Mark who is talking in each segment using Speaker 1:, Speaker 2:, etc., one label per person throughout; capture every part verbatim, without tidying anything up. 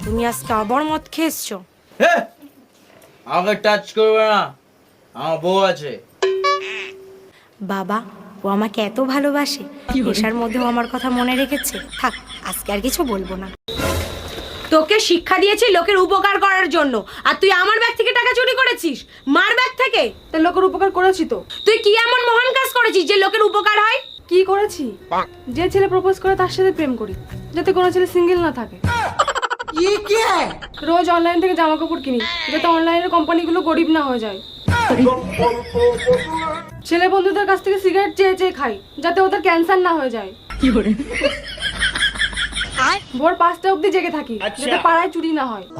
Speaker 1: তুমি আজকে আবার মদ খেয়েছো?
Speaker 2: আমাকে টাচ করবে না, আমার বউ আছে।
Speaker 1: বাবা, ও আমাকে এত ভালোবাসে, নেশার মধ্যেও আমার কথা মনে রেখেছে। থাক, আজকে আর কিছু বলবো না। তোকে শিক্ষা দিয়েছি লোকের উপকার করার জন্য, আর তুই আমার ব্যাগ থেকে টাকা চুরি করেছিস, মার ব্যাগ থেকে।
Speaker 3: তা লোকের উপকার করেছি তো।
Speaker 1: তুই কি এমন মহান কাজ করেছিস যে লোকের উপকার হয়?
Speaker 3: কি করেছি? যে ছেলে প্রপোজ করে তার সাথে প্রেম করি, যাতে কোনো ছেলে সিঙ্গেল না থাকে। রোজ অনলাইন থেকে জামা কাপড় কিনি, যাতে অনলাইনের কোম্পানিগুলো গরিব না হয়ে যায়। ছেলে বন্ধুদের কাছ থেকে সিগারেট চেয়ে চেয়ে খাই, যাতে ওদের ক্যান্সার না হয়ে যায়। ভোর পাঁচটা অবধি জেগে থাকি, যাতে পাড়ায় চুরি না হয়।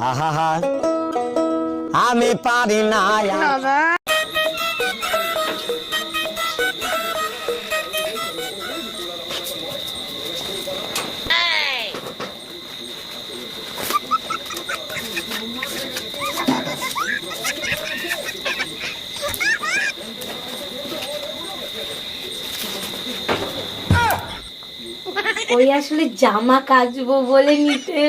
Speaker 4: আমি পারি না।
Speaker 1: ওই আসলে জামা কাচবো বলে নিতে।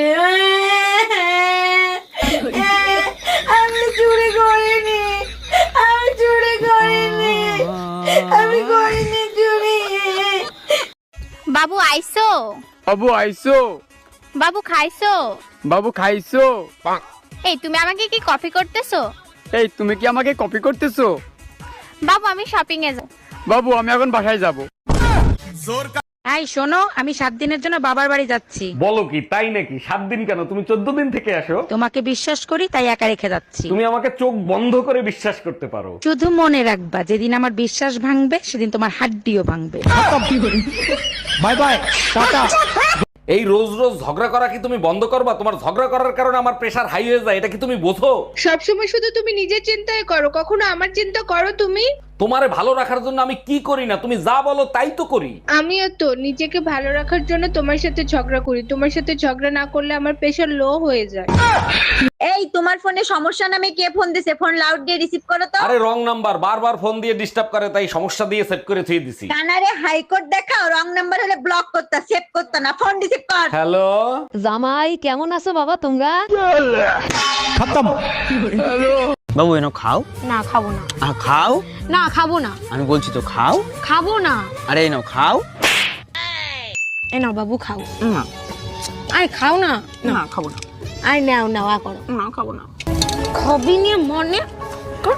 Speaker 1: আমি চুরি করিনি, আমি চুরি করিনি, আমি করিনি চুরি।
Speaker 5: বাবু আইসো?
Speaker 6: বাবু আইসো?
Speaker 5: বাবু খাইছো?
Speaker 6: বাবু খাইছো?
Speaker 5: এই তুমি আমাকে কি কপি করতেছো?
Speaker 6: এই তুমি কি আমাকে কপি করতেছো?
Speaker 5: বাবু আমি শপিং এ যাব।
Speaker 6: বাবু আমি এখন বাসায় যাব।
Speaker 7: এই শোনো, আমি সাত দিনের জন্য বাবার বাড়ি যাচ্ছি।
Speaker 8: বলো কি, তাই নাকি? সাত দিন কেন, তুমি চোদ্দ দিন থেকে আসো।
Speaker 7: তোমাকে বিশ্বাস করি তাই একা রেখে যাচ্ছি।
Speaker 8: তুমি আমাকে চোখ বন্ধ করে বিশ্বাস করতে পারো।
Speaker 7: শুধু মনে রাখবা, যেদিন আমার বিশ্বাস ভাঙবে সেদিন তোমার হাড্ডিও ভাঙবে।
Speaker 8: Bye bye, tata. এই রোজ রোজ ঝগড়া করা কি তুমি বন্ধ করবা? তোমার ঝগড়া করার কারণে আমার প্রেশার হাই হয়ে যায়, এটা কি তুমি বোঝো?
Speaker 9: সবসময় শুধু তুমি নিজের চিন্তায় করো, কখনো আমার চিন্তা করো তুমি?
Speaker 8: তোমারে ভালো রাখার জন্য আমি কি করি না, তুমি যা বলো তাই তো করি।
Speaker 9: আমিও তো নিজেকে ভালো রাখার জন্য তোমার সাথে ঝগড়া করি। তোমার সাথে ঝগড়া না করলে আমার প্রেশার লো হয়ে যায়।
Speaker 10: এই তোমার ফোনে সমস্যা নামে কে ফোন দিছে? ফোন লাউড দিয়ে রিসিভ করো তো।
Speaker 8: আরে রং নাম্বার, বারবার ফোন দিয়ে ডিস্টার্ব করে, তাই সমস্যা দিয়ে সেট করে থুই দিছি।
Speaker 10: কানারে হাইকোর্ট দেখাও, রং নাম্বার হলে ব্লক করতা, সেভ করতা না, ফোন রিসিভ কর।
Speaker 8: হ্যালো
Speaker 7: জামাই, কেমন আছো বাবা তোমরা?
Speaker 4: খতম। বাবু এনো খাও।
Speaker 1: না, খাবো না।
Speaker 4: আহ, খাও
Speaker 1: না, খাবো না।
Speaker 4: আমি বলছি তো খাও।
Speaker 1: খাবো না।
Speaker 4: আরে এনো খাও।
Speaker 1: এ নাও বাবু, খাও।
Speaker 4: না
Speaker 1: আরে খাও না।
Speaker 4: না খাবো না।
Speaker 1: আরে নাও নাও, আ করো।
Speaker 4: না খাবো না।
Speaker 1: খাবি নিয়ে মনে কর।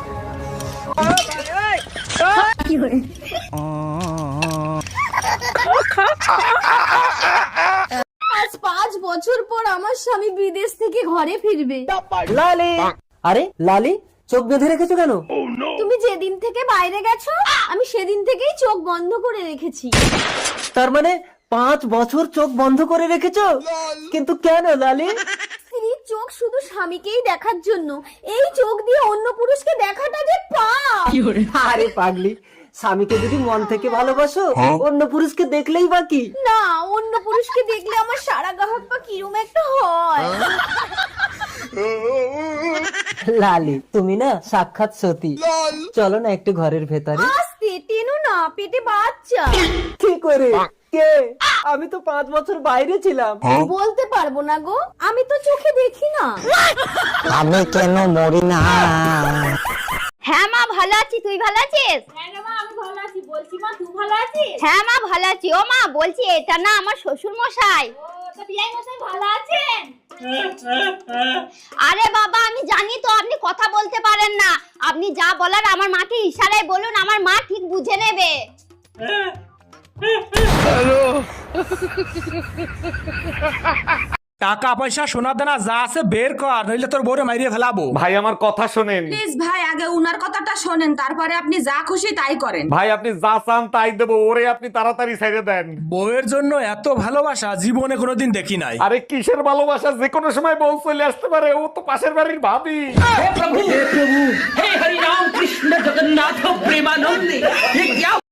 Speaker 10: আজ পাঁচ বছর পর আমার স্বামী বিদেশ থেকে ঘরে ফিরবে।
Speaker 4: লালি। আরে লালি, চোখ বেঁধে রেখেছো কেন?
Speaker 10: তুমি যেদিন থেকে বাইরে গেছো আমি সেদিন থেকেই চোখ বন্ধ করে রেখেছি।
Speaker 4: তার মানে পাঁচ বছর চোখ বন্ধ করে রেখেছো? কিন্তু কেন লালি?
Speaker 10: স্ত্রীর চোখ শুধু স্বামীকেই দেখার জন্য, এই চোখ দিয়ে অন্য পুরুষকে দেখাটা যে পাপ।
Speaker 4: আরে পাগলি, স্বামীকে যদি মন থেকে ভালোবাসো, অন্য পুরুষকে দেখলেই বাকি।
Speaker 10: না, অন্য পুরুষকে দেখলে আমার সারা গাহক পা কিরম একটা হয়।
Speaker 4: লালি, তুমি না সাক্ষাৎ সতী। চলো না একটু ঘরের ভেতরে।
Speaker 10: আস্তে টেনো না, পেটে বাচ্চা।
Speaker 4: কি করে? কে? আমি তো পাঁচ বছর বাইরে ছিলাম।
Speaker 10: বলতে পারবো না গো, আমি তো চোখে দেখি না।
Speaker 4: আমি কেন মরি না?
Speaker 5: হ্যাঁ মা ভালো আছি, তুই ভালো আছিস?
Speaker 10: হ্যাঁ মা, আমি ভালো আছি। বলছি মা, তুই ভালো আছিস?
Speaker 5: হ্যাঁ মা ভালো আছি। ও মা, বলছি এটা না আমার শ্বশুর মশাই।
Speaker 10: ও, তো বিয়াই মশাই ভালো আছেন?
Speaker 5: আরে বাবা, আমি জানি তো আপনি কথা বলতে পারেন না। আপনি যা বলার আমার মাকে ইশারায় বলুন, আমার মা ঠিক বুঝে নেবে।
Speaker 11: টাকা পয়সা সোনা দানা যা আছে বের কর, নইলে তোর বউরে মাইরিয়ে ফেলাবো।
Speaker 8: ভাই আমার কথা শোনেন।
Speaker 7: প্লিজ ভাই, আগে উনার কথাটা শোনেন, তারপরে আপনি যা খুশি তাই করেন।
Speaker 8: ভাই আপনি যা চান তাই দেবো, ওরে আপনি তাড়াতাড়ি ছেড়ে দেন।
Speaker 11: বউয়ের জন্য এত ভালোবাসা জীবনে কোনোদিন দেখি নাই।
Speaker 8: আরে কিসের ভালোবাসা, যে কোনো সময় বউ চলে আসতে পারে, ও তো পাশের বাড়ির ভাবি।
Speaker 4: হে প্রভু, হে হরি রাম কৃষ্ণ জগন্নাথ প্রেমানন্দে।